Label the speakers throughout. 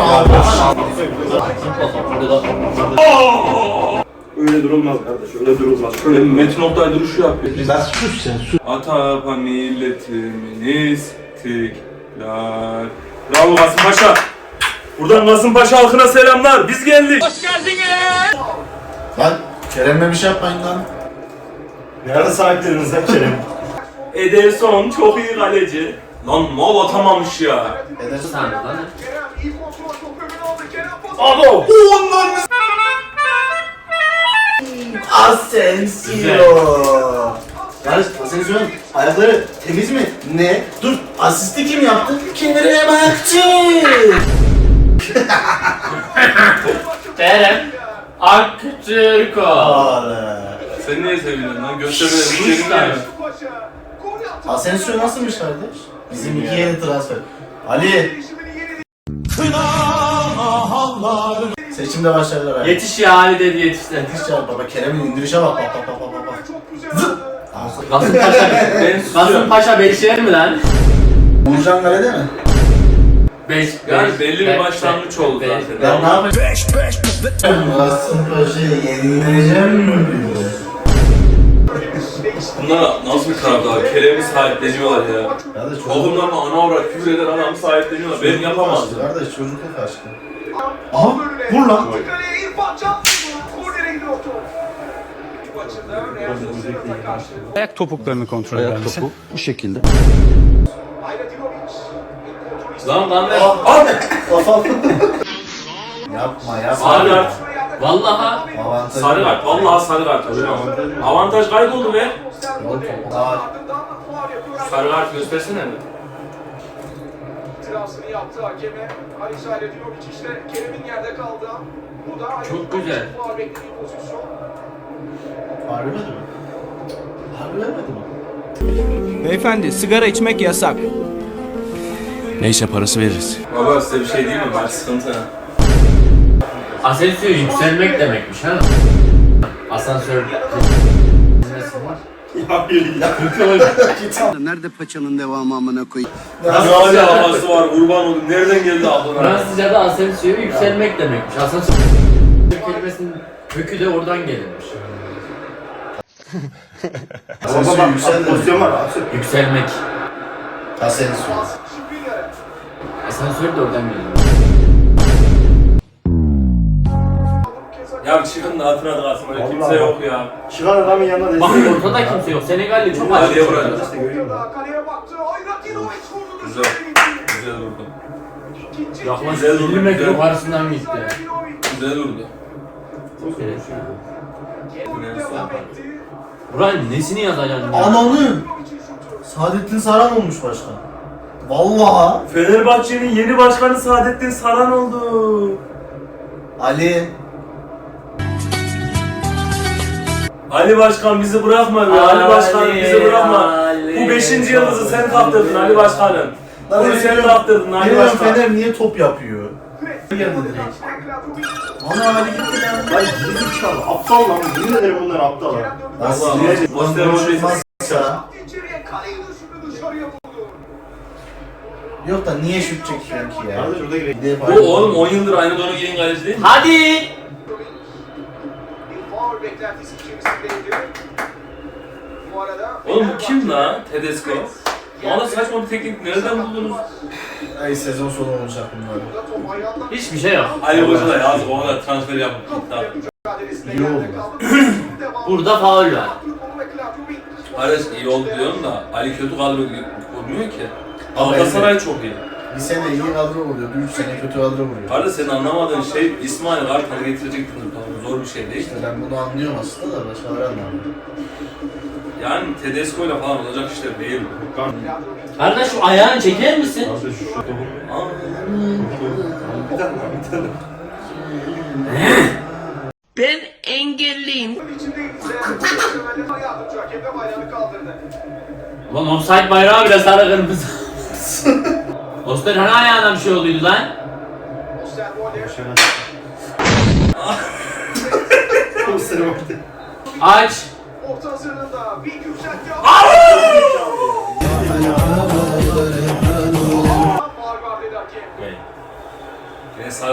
Speaker 1: Öyle durulmaz kardeş, öyle durulmaz. Şöyle Metin Oktay duruşu yapıyor.
Speaker 2: Lan sus sen sus.
Speaker 1: Atapa milletimin istiklal. Bravo Kasım Paşa. Buradan Kasım Paşa halkına selamlar. Biz geldik. Hoş geldiniz.
Speaker 2: Lan Kerem'le bir şey yapmayın lan.
Speaker 3: Nerede sahipleriniz lan Kerem?
Speaker 1: Ederson çok iyi kaleci. Lan mal atamamış ya.
Speaker 2: Edersin.
Speaker 1: Abo.
Speaker 2: Onların Asensio. Barış Asensio'nun ayakları temiz mi? Ne? Dur, asisti kim yaptı? Kerem Aktürk.
Speaker 4: Kerem Aktürko.
Speaker 1: Sen niye seviyorsun lan? Göstermeyi
Speaker 2: Asensio nasılmış kardeş? Bizim iki yeni transfer. Ali. Seçimde başarılar abi.
Speaker 4: Yetiş ya Ali dedi yetişti.
Speaker 2: Yetiş ya baba, Kerem'in indirişe bak bak bak bak bak. Zıp.
Speaker 4: Kasım Paşa Kasım Paşa Beşiktaş mi lan?
Speaker 2: Uğurcan Kale'de mi?
Speaker 1: Yani belli bir başlangıç oldu zaten.
Speaker 2: Ben ne yapayım? Kasım Paşa'yı yenileceğim mi?
Speaker 1: Bunlar nasıl bir taraftar? Kerem'i sahipleniyorlar ya.
Speaker 2: Kardeş
Speaker 1: Oğlumlarına ana avrat küfür eden adamı sahipleniyorlar. Ben yapamazdım.
Speaker 2: Kardeş çocukluk aşkı. Aha vur lan.
Speaker 5: Ayak topuklarını kontrol eder misin?
Speaker 6: Bu şekilde.
Speaker 1: Lan lan ne?
Speaker 2: Yapma yapma.
Speaker 1: Sarı kart.
Speaker 4: Vallahi
Speaker 2: Avantajı.
Speaker 1: Sarı kart. Vallahi sarı kart. Avantaj kayboldu be.
Speaker 2: Daha
Speaker 1: Sarı kart göstersene mi?
Speaker 7: İtirazını yaptı hakeme. Alisa ile Diyovic işte Kerem'in yerde kaldı. Bu da
Speaker 4: Çok güzel.
Speaker 7: Faul beklediği pozisyon.
Speaker 2: harbi mi? Harbi mi?
Speaker 5: Beyefendi sigara içmek yasak.
Speaker 6: Neyse parası veririz.
Speaker 1: Baba size bir şey diyeyim mi? Bak sıkıntı.
Speaker 4: Asensio yükselmek demekmiş ha. Asansör.
Speaker 6: Nerede paçanın devamı amına koyayım?
Speaker 1: Nasıl havası var? Kurban oldum. Nereden geldi aklına?
Speaker 4: Fransızca'da Asensio yükselmek demekmiş. Asansör kelimesinin kökü de oradan gelirmiş.
Speaker 2: Asensio yükseldi.
Speaker 3: Pozisyon var abi.
Speaker 4: Yükselmek.
Speaker 2: Asensio.
Speaker 4: Asansör de oradan geliyor.
Speaker 1: Ya çıkın da hatırına da kalsın. Öyle kimse yok ya.
Speaker 3: Çıkan adamın yanına
Speaker 4: Bak
Speaker 3: destek.
Speaker 4: ortada kimse yok. Senegalli çok
Speaker 1: Hadi
Speaker 4: açık.
Speaker 1: vuracağız.
Speaker 3: İşte görüyor musun?
Speaker 7: Kaleye baktı. Ayrak Diyovic vurdu.
Speaker 1: Güzel. Güzel durdu.
Speaker 4: Yaklaşık 50 metre yukarısından gitti.
Speaker 1: Güzel durdu.
Speaker 4: Evet. Buranın nesini yazacaksın ya?
Speaker 2: Ananı. Saadettin Saran olmuş başkan. Vallahi.
Speaker 1: Fenerbahçe'nin yeni başkanı Saadettin Saran oldu.
Speaker 2: Ali.
Speaker 1: Ali Başkan bizi bırakma be. Ali Başkan bizi bırakma. Bu 5. yıldızı sen kaptırdın Ali Başkanım. Bunu sen kaptırdın Ali
Speaker 2: Bilmiyorum
Speaker 1: Başkan.
Speaker 2: Fener niye top yapıyor? Geldi direkt. Ana Ali gitti lan.
Speaker 3: Lan geri zekalı, aptal lan. Yemin ederim bunlar aptal lan.
Speaker 2: Nasıl?
Speaker 1: Poster
Speaker 7: İçeriye kaleyi düşürdü dışarıya vurdu.
Speaker 2: Yok da niye şut çekiyor ki ya?
Speaker 3: Kardeş burada gerek.
Speaker 1: Bu oğlum 10 yıldır aynı donu giyen kaleci değil mi?
Speaker 4: Hadi!
Speaker 7: Bir faul beklentisi içerisindeydi. Bu arada
Speaker 1: Oğlum bu kim la? Tedesco. Bana saçma bir teknik nereden buldunuz?
Speaker 2: Ay sezon sonu olacak bunlar.
Speaker 7: top ayağından
Speaker 4: Hiçbir şey yok.
Speaker 1: Ali Hoca da yazık o kadar transfer yapıp gitti abi.
Speaker 7: mücadelesinde
Speaker 2: İyi oldu.
Speaker 7: yerde kaldı.
Speaker 4: Burada faul var.
Speaker 1: Ares iyi oldu diyorum da Ali kötü kadro kurmuyor ki. Galatasaray çok iyi.
Speaker 2: Bir sene iyi kadro vuruyordu, 3 sene kötü kadro vuruyor.
Speaker 1: Kardeş senin anlamadığın şey İsmail Kartal'ı getirecek zor bir şey değil.
Speaker 2: İşte ben bunu anlıyorum aslında da başkaları anlamıyor.
Speaker 1: Yani Tedesco ile falan olacak işler değil bu.
Speaker 4: Kardeş şu ayağını çeker misin? Ben engelliyim. Ulan offside bayrağı bile sarı kırmızı. Oster hani ayağına bir şey olduydu lan? Aç.
Speaker 7: Orta hazırlığında bir yükseltti. Faul var dedi hakem.
Speaker 1: Yine sağ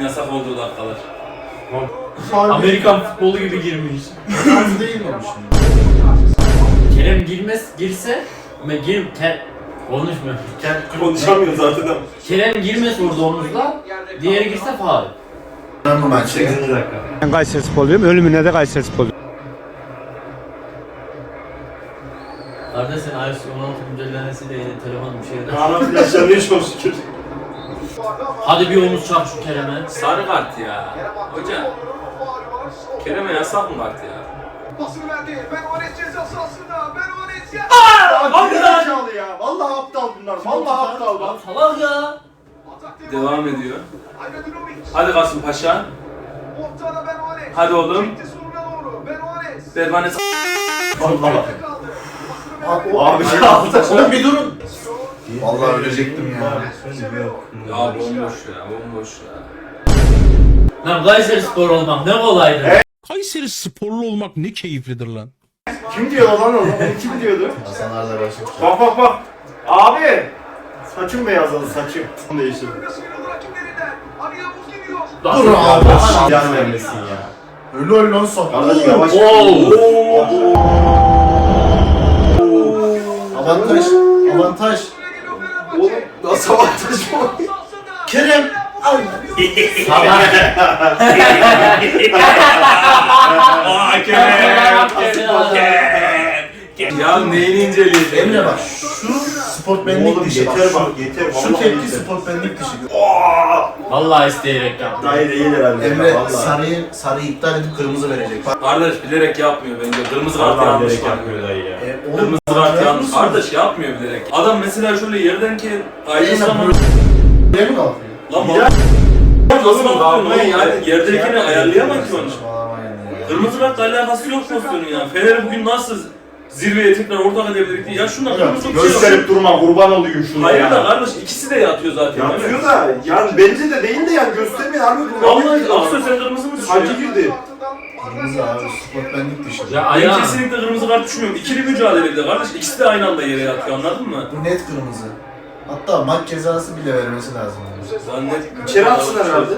Speaker 1: yasak olduğu dakikalar.
Speaker 4: Amerikan futbolu gibi girmiş.
Speaker 2: Az değil mi bu şimdi?
Speaker 4: Kerem girse ama konuşmuyor.
Speaker 3: Konuşamıyor zaten ama.
Speaker 4: Kerem girmez orada omuzla, diğeri girse faul.
Speaker 2: Ben bu maçı
Speaker 3: 8. dakika.
Speaker 5: Ben Kayseri Sporluyum. Ölümüne de Kayseri Sporluyum.
Speaker 4: Kardeş sen iOS 16 güncellemesiyle yeni telefon bir şeyler.
Speaker 3: Kaan flaşlanıyor çok şükür.
Speaker 4: Hadi bir omuz çak şu Kerem'e.
Speaker 1: Sarı kart ya. Hoca. Kerem'e yasak mı kart ya?
Speaker 7: Pasını verdi. Ben Ones ceza sahasında. Ben Ones ya.
Speaker 3: Abi zekalı ya. Vallahi aptal bunlar. Vallahi aptal bak.
Speaker 4: Salak ya.
Speaker 1: Devam ediyor. Hadi Kasımpaşa.
Speaker 7: Ortada Ben Ones.
Speaker 1: Hadi oğlum.
Speaker 7: Çekti sonuna doğru. Ben Ones.
Speaker 1: Berbanes.
Speaker 3: Vallahi.
Speaker 7: Kaldı.
Speaker 3: Abi ya aptal.
Speaker 2: Oğlum bir durun. Vallahi ölecektim ya.
Speaker 1: Ya bomboş ya, bomboş ya.
Speaker 4: Lan Kayseri Spor olmak ne kolaydı.
Speaker 8: Kayseri sporlu olmak ne keyiflidir lan.
Speaker 3: Kim diyor lan onu? Kim diyordu?
Speaker 2: Hasan Arda başlık.
Speaker 3: Bak bak bak. Abi. Saçım beyazladı saçım. Onu değiştirdim.
Speaker 7: Sıyrıldı rakiplerinden. Ali Yavuz gidiyor.
Speaker 2: Dur abi.
Speaker 3: Yan vermesin ya.
Speaker 2: Ölü ölü lan sok.
Speaker 3: Kardeş yavaş.
Speaker 2: Avantaj. Avantaj.
Speaker 3: Oğlum nasıl avantaj bu?
Speaker 2: Kerem. Ay.
Speaker 1: Aa Kerem! Ya neyini inceleyeceğim?
Speaker 2: Emre bak şu sportmenlik
Speaker 3: Oğlum
Speaker 2: dışı
Speaker 3: yeter
Speaker 2: bak.
Speaker 3: bak yeter.
Speaker 2: Şu
Speaker 3: Vallahi
Speaker 2: tepki
Speaker 3: yeter.
Speaker 2: sportmenlik dışı.
Speaker 4: Vallahi isteyerek yaptı.
Speaker 3: Hayır değil herhalde.
Speaker 2: Emre
Speaker 3: Vallahi.
Speaker 2: sarıyı iptal edip kırmızı verecek. Bak.
Speaker 1: Kardeş bilerek yapmıyor bence. Kırmızı kart
Speaker 3: Vallahi
Speaker 1: yanlış
Speaker 3: direkt
Speaker 1: var.
Speaker 3: yapmıyor dayı ya.
Speaker 2: Oğlum,
Speaker 1: Kırmızı kart yanlış. Kardeş yapmıyor bilerek. Adam mesela şöyle yerden ki ayrılsa
Speaker 2: Aynen
Speaker 1: ama...
Speaker 2: böyle mi kalkıyor?
Speaker 1: Lan
Speaker 3: Ya.
Speaker 1: nasıl
Speaker 3: Oğlum,
Speaker 1: kalkıyorsun
Speaker 3: yapmayın
Speaker 1: oğlum?
Speaker 3: ya.
Speaker 1: Yerdekini ayarlayamaz ki onu.
Speaker 2: Saçmalamayın ya.
Speaker 1: Kırmızı kartla alakası yok pozisyonun ya. Fener bugün nasıl zirveye tekrar ortak edebilirdik diye. Ya şundan kırmızı çok şey yok.
Speaker 3: Gösterip durma kurban olayım şunu
Speaker 1: Hayır
Speaker 3: ya.
Speaker 1: da kardeş ikisi de yatıyor zaten.
Speaker 3: Yapıyor da yani bence de değil de yani göstermeyin harbi kurban
Speaker 1: Vallahi
Speaker 3: olayım.
Speaker 1: Aksoy sen kırmızı mı
Speaker 3: Sanki
Speaker 1: düşüyor?
Speaker 3: girdi.
Speaker 2: Kırmızı abi sportmenlik dışı.
Speaker 4: Ya
Speaker 1: Ben
Speaker 4: ayağı.
Speaker 1: kesinlikle kırmızı kart düşmüyorum. İkili mücadelede kardeş. İkisi de aynı anda yere yatıyor anladın mı?
Speaker 2: Bu net kırmızı. Hatta maç cezası bile vermesi lazım.
Speaker 1: Zannetmiyorum.
Speaker 3: İçeri atsınlar herhalde.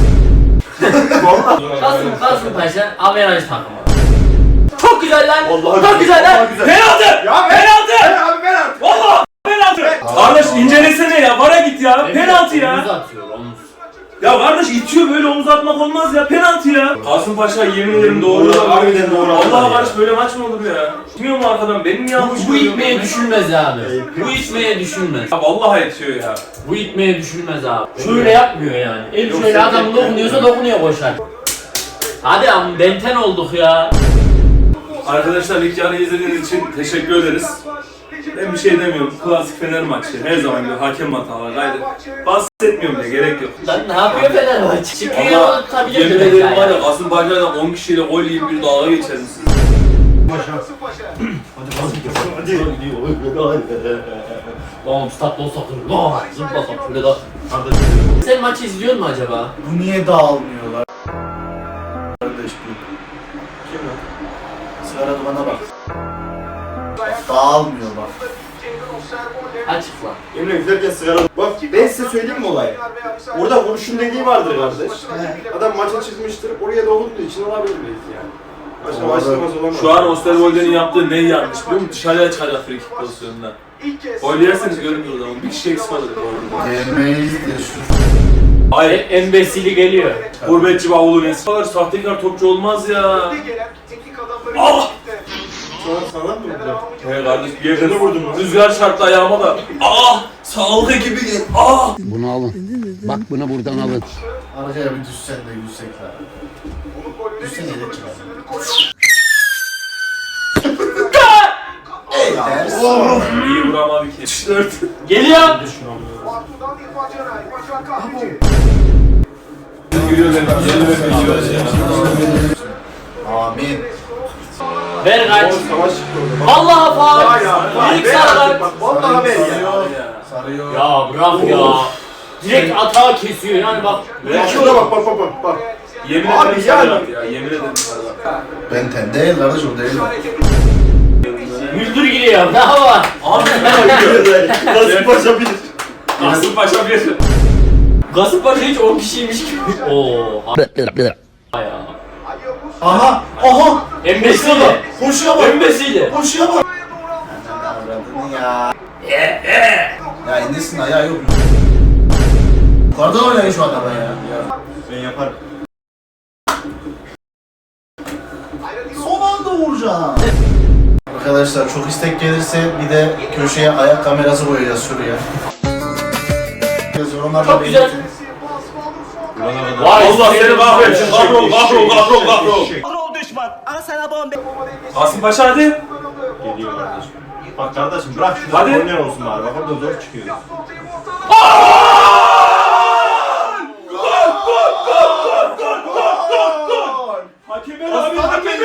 Speaker 3: Valla.
Speaker 4: Kasımpaşa averaj takımı. Çok güzel lan.
Speaker 3: Vallahi
Speaker 4: Çok güzel lan.
Speaker 1: Penaltı!
Speaker 3: Ya
Speaker 1: Penaltı!
Speaker 3: abi ben at.
Speaker 1: Valla! Penaltı! Kardeş incelesene ya. Vara git ya. Penaltı
Speaker 4: Omuz
Speaker 1: ya.
Speaker 4: atıyor omuz.
Speaker 1: Ya kardeş itiyor böyle omuz atmak olmaz ya. Penaltı ya. Kasımpaşa yemin ederim doğru.
Speaker 3: Doğru, harbiden doğru
Speaker 1: Allah
Speaker 3: adam ya.
Speaker 1: kardeş böyle maç mı olur ya? Bilmiyor mu arkadan? Benim yanlış
Speaker 4: Bu
Speaker 1: görüyorum.
Speaker 4: itmeye düşünmez abi. Bu itmeye düşünmez.
Speaker 1: Ya vallahi itiyor ya.
Speaker 4: Bu itmeye düşünmez abi. Şöyle yapmıyor yani. El
Speaker 1: Yok,
Speaker 4: şöyle
Speaker 1: sen
Speaker 4: adam
Speaker 1: de-
Speaker 4: dokunuyorsa dokunuyor koşar. Hadi ama benten olduk ya.
Speaker 1: Arkadaşlar ilk yarı izlediğiniz için teşekkür ederiz. Ben bir şey demiyorum. Klasik Fener maçı. Her zaman gibi hakem hataları. Haydi. Bahsetmiyorum bile gerek yok.
Speaker 4: Lan ne yapıyor Fenerbahçe? Çıkıyor
Speaker 1: Ama
Speaker 4: tutabilir
Speaker 1: yemin
Speaker 4: demek
Speaker 1: ederim var
Speaker 4: yani.
Speaker 1: ya Kasımpaşa'dan 10 kişiyle gol yiyip bir dalga geçerim siz.
Speaker 4: Oğlum statta olsak lan zıplasak şöyle da. Sen maçı izliyor musun acaba?
Speaker 2: Bu niye dağılmıyorlar? Kardeş bu.
Speaker 3: Kim lan?
Speaker 2: Sigara dumana bak. Dağılmıyor bak.
Speaker 4: Açıkla.
Speaker 3: Emre üflerken sigara... Bak ben size söyleyeyim mi olayı? Orada vuruşun dediği vardır kardeş. Adam maça çıkmıştır, oraya dokunduğu için olabilir belki yani. Başka başlamaz olamaz.
Speaker 1: Şu an Osterwolde'nin yaptığı ne yanlış biliyor musun? Dışarıya çıkacak free kick pozisyonunda. Gol yerseniz görmüyoruz ama bir kişi eksik alır.
Speaker 2: Gelmeyiz de şu.
Speaker 1: Hayır.
Speaker 4: Embesili geliyor.
Speaker 1: Gurbetçi bavulun eski. Kadar sahtekar topçu olmaz ya. Ah!
Speaker 3: Sana mı vurdu?
Speaker 1: He kardeş bir yerden vurdum. Rüzgar çarptı ayağıma da. Ah! Sağlığı gibi gel. Ah!
Speaker 6: Bunu alın. Bak bunu buradan alın.
Speaker 2: Aracaya bir düşsen de yüksek ha. Düşsen yedek çıkar.
Speaker 1: İyi vuramadı ki. 4.
Speaker 4: Geliyor.
Speaker 2: Amin.
Speaker 4: Ver kaç.
Speaker 3: Savaş çıktı orada.
Speaker 4: Vallahi faul.
Speaker 3: Bak,
Speaker 4: İlk
Speaker 3: ben
Speaker 4: sarı
Speaker 3: artık bak, vallahi ben ya.
Speaker 2: Sarıyor.
Speaker 4: Ya bırak ya. Direkt atağı kesiyor yani bak.
Speaker 3: Bak şurada bak bak bak bak. Bak.
Speaker 1: Yemin
Speaker 3: Abi
Speaker 1: ederim
Speaker 3: yani.
Speaker 1: sarı ya. Yemin ederim sarı.
Speaker 2: Ben ten değil kardeş o değil.
Speaker 4: Müldür giriyor. Ne var?
Speaker 1: Abi
Speaker 3: Nasıl paşa bir.
Speaker 1: Kasımpaşa bir.
Speaker 4: Kasımpaşa hiç 10 kişiymiş gibi. Oo. Ya.
Speaker 2: Aha!
Speaker 4: Embesiyle.
Speaker 2: Koşuya bak!
Speaker 4: Embesiyle.
Speaker 2: Koşuya bak! Ya. Ya indirsin ayağı yok. Yukarıdan oynayın şu adama ya.
Speaker 3: Ben yaparım.
Speaker 2: Son anda vuracağım. Arkadaşlar çok istek gelirse bir de köşeye ayak kamerası koyacağız şuraya. Yorumlarda
Speaker 4: Çok güzel.
Speaker 2: belirtin.
Speaker 4: Vay
Speaker 1: Allah seni kahretsin. Kahrol. Kasım Paşa hadi.
Speaker 3: Geliyor kardeşim. Bak kardeşim bırak şunu.
Speaker 1: Hadi.
Speaker 3: Oynayan olsun bari. Bak orada zor çıkıyor.
Speaker 1: Hakemer abi.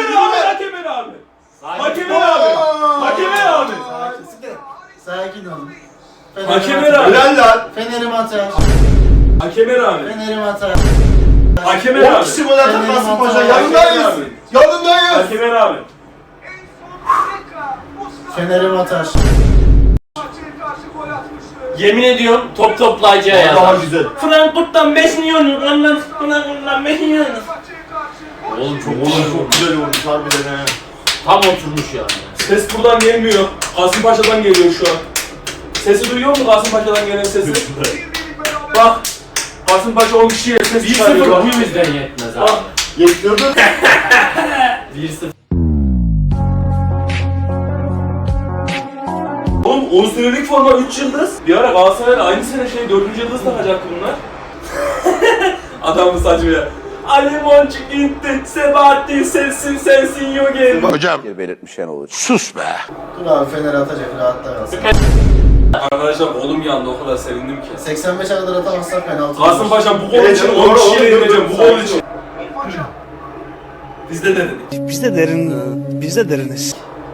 Speaker 1: Hakemer abi.
Speaker 2: Sakin olun.
Speaker 1: Hakemer abi.
Speaker 3: Helal lan.
Speaker 2: Fener'im atar.
Speaker 1: Hakemer abi.
Speaker 2: Fener'im atar.
Speaker 1: Hakemer
Speaker 3: 10
Speaker 1: abi.
Speaker 3: kişi gol atar Kasımpaşa.
Speaker 2: Hakemer
Speaker 3: Yanındayız.
Speaker 1: abi.
Speaker 3: Yanındayız.
Speaker 1: Hakemer abi.
Speaker 2: Fener'im atar.
Speaker 4: Yemin ediyorum top toplayıcıya
Speaker 3: Daha
Speaker 4: yazar.
Speaker 3: güzel.
Speaker 4: Frankfurt'tan 5 milyon. Frankfurt'tan 5 milyon. Oğlum çok
Speaker 3: Çok güzel olmuş harbiden he.
Speaker 4: tam oturmuş yani.
Speaker 1: Ses buradan gelmiyor. Kasımpaşa'dan geliyor şu an. Sesi duyuyor musun Kasımpaşa'dan gelen sesi? Bak. Kasımpaşa 10 kişiye ses
Speaker 4: 1-0
Speaker 1: çıkarıyor.
Speaker 4: bu yüzden yetmez abi.
Speaker 1: Bak.
Speaker 3: Yetmiyordu.
Speaker 4: 1-0.
Speaker 1: Oğlum 10 senelik forma 3 yıldız. Bir ara Galatasaray'la aynı sene 4. yıldız takacaktı bunlar. Adamın saçı ya. Ali Boncuk gitti, Sebahattin sensin yo geldi.
Speaker 6: Hocam belirtmişen olur. Sus be.
Speaker 2: Dur abi Fener atacak rahatta kalsın.
Speaker 1: Arkadaşlar oğlum yandı o kadar sevindim ki.
Speaker 2: 85'e kadar atamazsak penaltı.
Speaker 1: Kasımpaşa bu gol
Speaker 3: Evet,
Speaker 1: için
Speaker 3: doğru,
Speaker 1: 10 kişiyle
Speaker 3: doğru,
Speaker 1: yeneceğim bu
Speaker 3: doğru.
Speaker 1: gol için. Biz de denedik.
Speaker 5: Biz de deriniz.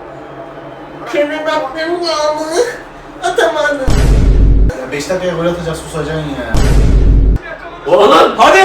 Speaker 2: Ya 5 dakikaya gol atacak susacaksın ya.
Speaker 4: Oğlum
Speaker 1: Hadi!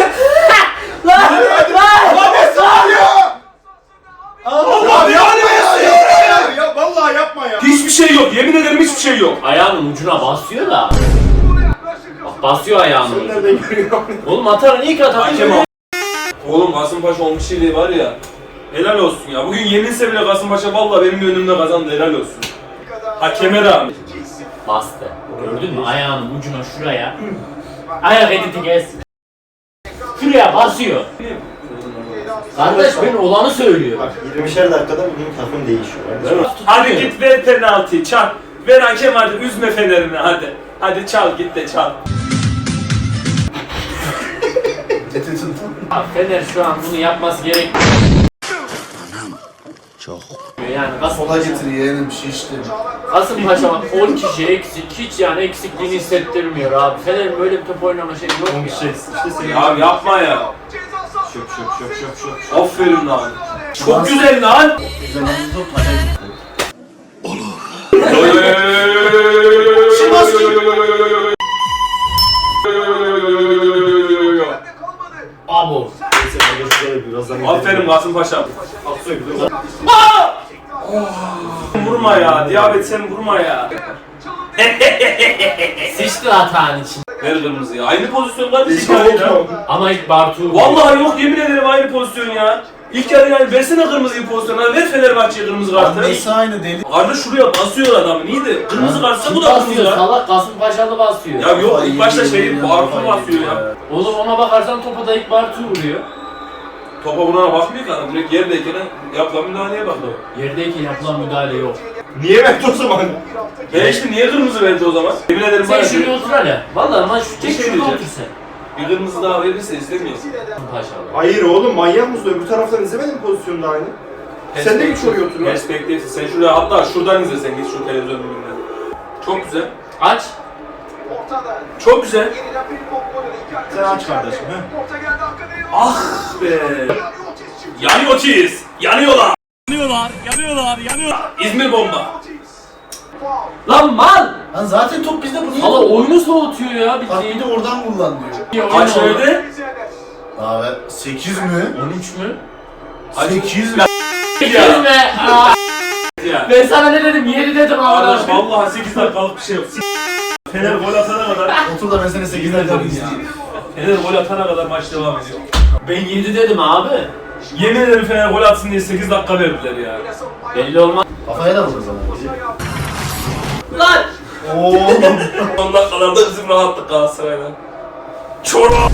Speaker 3: Ya yapma ya. Ya vallahi yapma ya.
Speaker 1: Hiçbir şey yok, yemin ederim hiçbir şey yok.
Speaker 4: ayağının ucuna basıyor da. Bak basıyor ayağının ucuna.
Speaker 3: Nereden görüyor?
Speaker 4: Oğlum atarın ilk atar.
Speaker 1: Hakem al. Oğlum Kasımpaşa 10 kişiliği var ya. Helal olsun ya. Bugün yeminse bile Kasımpaşa vallahi benim önümde kazandı. Helal olsun. Hakeme rağmen.
Speaker 4: Bastı. Gördün mü ayağının ucuna şuraya. Ayak editi kes. Şuraya basıyor. Kardeş ben olanı söylüyor.
Speaker 3: Bak 20'şer dakikada bugün takım değişiyor.
Speaker 1: Değil mi? Hadi git ver penaltıyı çal. Ver hakem hadi üzme Fener'ini hadi. Hadi çal git de çal.
Speaker 2: Eti tutun.
Speaker 4: Abi Fener şu an bunu yapması gerek.
Speaker 6: Çok.
Speaker 4: Yani
Speaker 2: Sola
Speaker 4: Kasımpaşa,
Speaker 2: getir yeğenim şişti.
Speaker 4: Kasımpaşa 10 kişi eksik. Hiç yani eksikliğini hissettirmiyor abi. Fener'in böyle bir top oynama şeyi yok ya.
Speaker 3: İşte senin.
Speaker 1: Abi yapma ya.
Speaker 3: Şöp.
Speaker 1: Aferin lan. Çok güzel lan.
Speaker 2: Zamanımız yok. Maça gitti.
Speaker 4: Abo.
Speaker 1: Aferin Kasımpaşa. Vurma ya. Diyabet sen vurma ya.
Speaker 4: Sıçtı hatağın için.
Speaker 1: Ver kırmızıyı. Aynı pozisyonlar bir şey ya.
Speaker 4: Ama ilk Bartu.
Speaker 1: Vallahi yok yemin ederim aynı pozisyon ya. İlk yarı yani versene kırmızıyı pozisyona. Ver Fenerbahçe'ye kırmızı kartı.
Speaker 2: Annesi aynı deli.
Speaker 1: Kardeş şuraya basıyor adam. Niye de? Kırmızı kartsa bu da kırmızı
Speaker 4: basıyor
Speaker 1: kart.
Speaker 4: salak Kasımpaşalı basıyor.
Speaker 1: Ya yok ilk başta Bartu basıyor ya.
Speaker 4: Oğlum ona bakarsan topa da ilk Bartu vuruyor.
Speaker 1: Topa vurana bakmıyor ki adam. Direkt yerdeyken yapılan müdahaleye bakıyor.
Speaker 4: Yerdeyken yapılan müdahale yok.
Speaker 3: Niye verdi o zaman?
Speaker 1: İşte niye kırmızı verdi o zaman? Yemin ederim
Speaker 4: Sen
Speaker 1: bana
Speaker 4: şuraya otur hele. Valla lan şu
Speaker 1: Bir
Speaker 4: çek
Speaker 1: şey
Speaker 4: şurada
Speaker 1: diyeceğim.
Speaker 4: otur sen.
Speaker 1: bir kırmızı daha verirse izlemeyiz.
Speaker 4: Paşalı.
Speaker 3: Hayır oğlum manyak mısın? Öbür taraftan izlemedin mi pozisyonda aynı? Sen de mi şuraya otur lan?
Speaker 1: Perspektif. Sen şuraya hatta şuradan izle sen git şu televizyon önünden. Çok güzel.
Speaker 4: Aç.
Speaker 1: Çok güzel.
Speaker 3: Sen aç kardeşim he.
Speaker 1: Ah be. Yanıyoruz. Yanıyorlar. İzmir bomba.
Speaker 4: Lan mal!
Speaker 2: Lan zaten top bizde bu niye?
Speaker 4: Valla oyunu soğutuyor ya
Speaker 2: Bak bir
Speaker 4: bildiğin.
Speaker 2: de oradan kullan diyor.
Speaker 1: Kaç verdi?
Speaker 2: Abi 8 mi?
Speaker 4: 13 mü?
Speaker 2: 8 mi?
Speaker 4: Gelme!
Speaker 1: Ya.
Speaker 4: Ben sana ne dedim? 7 dedim
Speaker 1: Arkadaş
Speaker 4: ama.
Speaker 1: vallahi 8 dakikalık bir şey yok. Fener gol atana kadar.
Speaker 2: Otur da ben seni 8 dakika izleyeyim.
Speaker 1: Fener gol atana kadar maç devam ediyor.
Speaker 4: Ben 7 dedim abi.
Speaker 1: Yemin ederim Fener gol atsın diye 8 dakika verdiler ya.
Speaker 4: Belli olmaz.
Speaker 2: Kafaya da vurur zaman.
Speaker 4: Lan!
Speaker 2: Oğlum.
Speaker 1: Son dakikalarda bizim rahatlık Galatasaray'la. Çorap!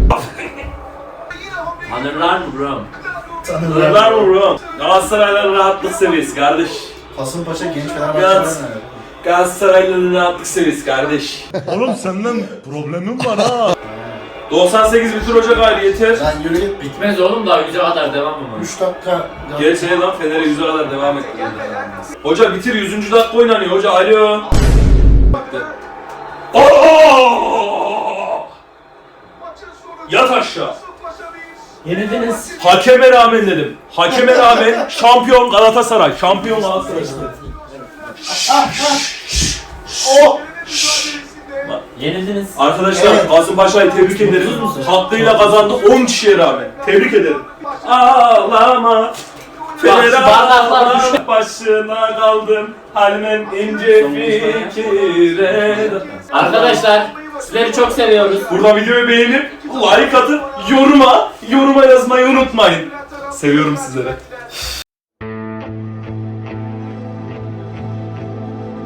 Speaker 4: Tanırlar mı bro?
Speaker 1: Nereden vuruyor? Galatasaray'la rahatlık seviyesi kardeş.
Speaker 2: Kasımpaşa genç Fenerbahçe'den
Speaker 1: Galatasaray'la rahatlık seviyesi kardeş.
Speaker 8: Oğlum senden problemim var ha.
Speaker 1: 98 bitir Ocak ayı yeter.
Speaker 2: Sen yürü git.
Speaker 4: Bitmez oğlum daha yüze kadar devam mı?
Speaker 2: 3 dakika.
Speaker 1: Gerçeğe lan Fener'e 100'e kadar devam etti. Hoca bitir 100. dakika oynanıyor hoca alo. Yat aşağı.
Speaker 4: Yenildiniz.
Speaker 1: Hakeme rağmen dedim. Hakeme rağmen şampiyon Galatasaray. Şampiyon Galatasaray.
Speaker 4: Yenildiniz.
Speaker 1: Arkadaşlar Kasımpaşa'yı tebrik ederim. Hakkıyla kazandı 10 kişiye rağmen. Tebrik ederim. Ağlama. Fener
Speaker 4: bardaklar
Speaker 1: ağlama. Başına kaldım. Halmen ince fikire.
Speaker 4: Arkadaşlar sizleri çok seviyoruz.
Speaker 1: Burada videoyu beğenip like atıp yoruma yazmayı unutmayın. Seviyorum sizleri.